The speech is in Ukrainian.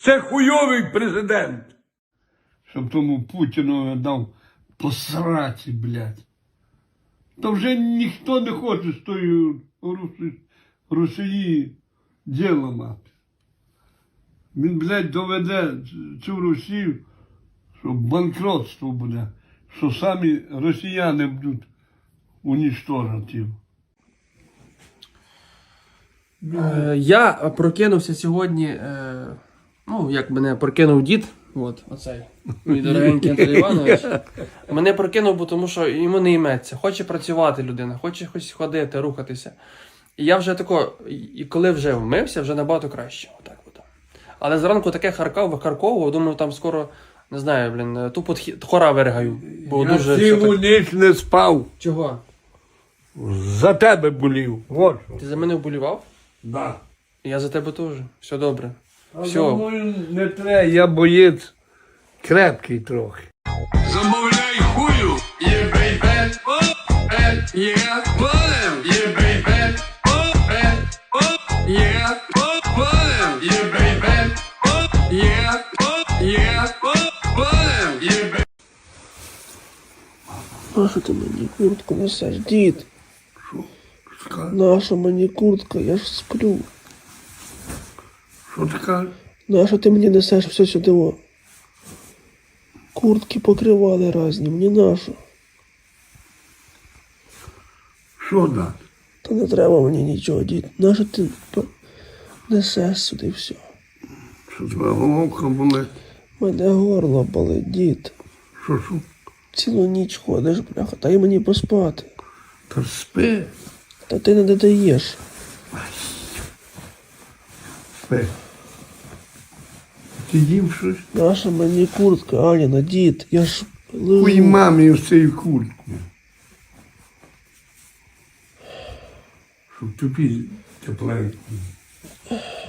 Це хуйовий президент. Щоб тому Путіну дав посраці, блядь. Та вже ніхто не хоче з тої Росії діло мати. Він, блядь, доведе цю Росію, що банкротство буде, що самі росіяни будуть унічтожити. Я прокинувся сьогодні, ну, як мене прокинув дід, от, оцей, мій дорогенький Анатолій Іванович. Мене прокинув, бо тому що йому не йметься. Хоче працювати людина, хоче хоч ходити, рухатися. І я вже тако, і коли вже вмився, вже набагато краще. Отак от. Але зранку таке викарковував, думаю, там скоро, не знаю, блін, тупо хора виригаю. Бо Я дуже цілу ніч не спав. Чого? За тебе болів. Вот що. Ти за мене вболівав? Да. Я за тебе теж. Все добре. А Все. за мною не треба, я боєць крепкий трохи. Замовляй хую, є бейбе, є полем, є бейбе, є полем, є бейбе, є полем, є бейбе. Нащо ти мені куртку несеш, дід? Що? Наша мені куртка, я ж сплю. Що ти кажеш? Нащо ти мені несеш все сюди? О? Куртки покривали разні, мені нащо? Що дати? Та не треба мені нічого, дід. Нащо ти несеш сюди все? Що тебе головка болить? Мене горло болить, дід. Що? Цілу ніч ходиш, бляха, дай мені поспати. Та спи. Та ти не додаєш. Спи. Ти їв щось? Наша мені куртка, Аніна, дід, я ж лежу. Ой, мамі ось цією курткою. Щоб тобі тепленько.